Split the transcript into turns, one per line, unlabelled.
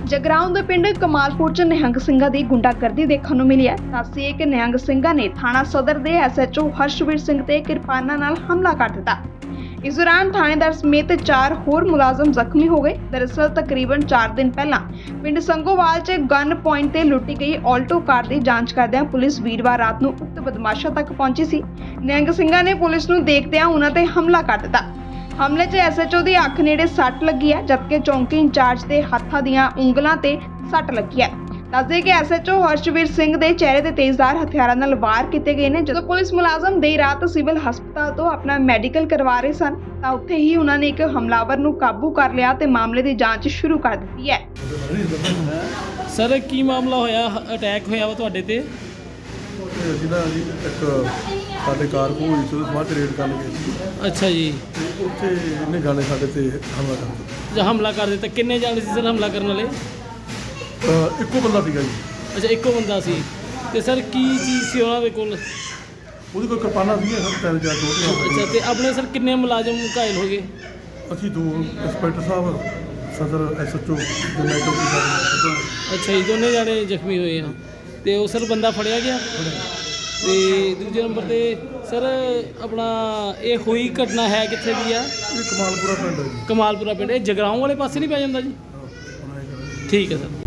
ਜਗਰਾਉਂ ਦੇ ਪਿੰਡ ਕਮਾਲਪੁਰ ਚ ਨਿਹੰਗ ਸਿੰਘਾਂ ਦੀ ਗੁੰਡਾਗਰਦੀ ਦੇਖਣ ਨੂੰ ਮਿਲੀ ਹੈ। ਦੱਸੀਏ ਕਿ ਨਿਹੰਗ ਸਿੰਘਾਂ ਨੇ ਥਾਣਾ ਸਦਰ ਦੇ ਐਸਐਚਓ ਹਰਸ਼ਵੀਰ ਸਿੰਘ ਤੇ ਕਿਰਪਾਨਾਂ ਨਾਲ ਹਮਲਾ ਕਰ ਦਿੱਤਾ। ਇਸ ਦੌਰਾਨ ਥਾਣੇਦਾਰ ਸਮੇਤ 4 ਹੋਰ ਮੁਲਾਜ਼ਮ ਜ਼ਖਮੀ ਹੋ ਗਏ। ਦਰਅਸਲ ਤਕਰੀਬਨ 4 ਦਿਨ ਪਹਿਲਾਂ ਪਿੰਡ ਸੰਗੋਵਾਲ 'ਚ ਗਨ ਪੁਆਇੰਟ ਤੇ ਲੁੱਟੀ ਗਈ ਆਲਟੋ ਕਾਰ ਦੀ ਜਾਂਚ ਕਰਦਿਆਂ ਪੁਲਿਸ ਵੀਰਵਾਰ ਰਾਤ ਨੂੰ ਉਕਤ ਬਦਮਾਸ਼ਾਂ ਤੱਕ ਪਹੁੰਚੀ ਸੀ। ਨਿਹੰਗ ਸਿੰਘਾਂ ਨੇ ਪੁਲਿਸ ਨੂੰ ਦੇਖਦਿਆਂ ਉਹਨਾਂ ਤੇ ਹਮਲਾ ਕਰ ਦਿੱਤਾ। ਹਮਲੇ 'ਚ ਐਸਐਚਓ ਦੀ ਅੱਖ ਨੇੜੇ ਸੱਟ ਲੱਗੀ ਹੈ, ਜਦਕਿ ਚੌਂਕੀ ਇੰਚਾਰਜ ਦੇ ਹੱਥਾਂ ਦੀਆਂ ਉਂਗਲਾਂ ਤੇ ਸੱਟ ਲੱਗੀ ਹੈ। ਦੱਸਦੇ ਕਿ ਐਸਐਚਓ ਹਰਸ਼ਵੀਰ ਸਿੰਘ ਦੇ ਚਿਹਰੇ ਤੇ ਤੇਜ਼ਧਾਰ ਹਥਿਆਰਾਂ ਨਾਲ ਵਾਰ ਕੀਤੇ ਗਏ ਨੇ। ਜਦੋਂ ਪੁਲਿਸ ਮੁਲਾਜ਼ਮ ਦੇਰ ਰਾਤ ਸਿਵਲ ਹਸਪਤਾਲ ਤੋਂ ਆਪਣਾ ਮੈਡੀਕਲ ਕਰਵਾ ਰਹੇ ਸਨ ਤਾਂ ਉੱਥੇ ਹੀ ਉਹਨਾਂ ਨੇ ਇੱਕ ਹਮਲਾਵਰ ਨੂੰ ਕਾਬੂ ਕਰ ਲਿਆ ਤੇ ਮਾਮਲੇ ਦੀ ਜਾਂਚ ਸ਼ੁਰੂ ਕਰ ਦਿੱਤੀ ਹੈ।
ਸਰ ਕੀ ਮਾਮਲਾ ਹੋਇਆ? ਅਟੈਕ ਹੋਇਆ ਵਾ ਤੁਹਾਡੇ ਤੇ?
ਅਸੀਂ ਨਾ ਜੀ ਇੱਕ ਸਾਡੇ ਕਾਰ ਕੋਲ ਹੋਈ ਸੀ, ਉਹਦੇ ਸਮਾਜ ਰੇਡ ਕਰਨ ਗਏ ਸੀ।
ਅੱਛਾ ਜੀ।
ਤੇ ਉੱਥੇ ਇਹਨੇ ਜਾਣੇ ਸਾਡੇ ਤੇ ਹਮਲਾ ਕਰ ਦਿੱਤਾ।
ਜਾਂ ਹਮਲਾ ਕਰ ਦਿੱਤਾ? ਕਿੰਨੇ ਜਾਣੇ ਸੀ ਸਰ ਹਮਲਾ ਕਰਨ ਵਾਲੇ?
ਇੱਕੋ ਬੰਦਾ ਸੀਗਾ ਜੀ।
ਅੱਛਾ, ਇੱਕੋ ਬੰਦਾ ਸੀ। ਤੇ ਸਰ ਕੀ ਚੀਜ਼ ਸੀ ਉਹਨਾਂ ਦੇ ਕੋਲ?
ਉਹਦੀ ਕੋਈ ਕਿਰਪਾਨਾਂ ਸੀ, ਤਿੰਨ ਚਾਰ ਛੋਟੀਆਂ।
ਅੱਛਾ, ਤੇ ਆਪਣੇ ਸਰ ਕਿੰਨੇ ਮੁਲਾਜ਼ਮ ਘਾਇਲ ਹੋ ਗਏ?
ਅਸੀਂ 2 ਇੰਸਪੈਕਟਰ ਸਾਹਿਬ, ਸਦਰ ਐਸਐਚਓ ਦੇ ਮੈਟਰ ਦੀ।
ਅੱਛਾ ਜੀ, ਦੋਨੇ ਜਾਣੇ ਜ਼ਖਮੀ ਹੋਏ ਆ। ਤੇ ਉਹ ਸਰ ਬੰਦਾ ਫੜਿਆ ਗਿਆ? ਤੇ ਦੂਜੇ ਨੰਬਰ ਤੇ ਸਰ ਆਪਣਾ ਇਹ ਹੋਈ ਘਟਨਾ ਹੈ ਕਿੱਥੇ ਦੀ ਆ?
ਇਹ ਕਮਾਲਪੁਰਾ ਪਿੰਡ ਹੈ ਜੀ।
ਕਮਾਲਪੁਰਾ ਪਿੰਡ। ਇਹ ਜਗਰਾਉਂ ਵਾਲੇ ਪਾਸੇ ਨਹੀਂ ਪੈ ਜਾਂਦਾ ਜੀ? ਠੀਕ ਹੈ ਸਰ।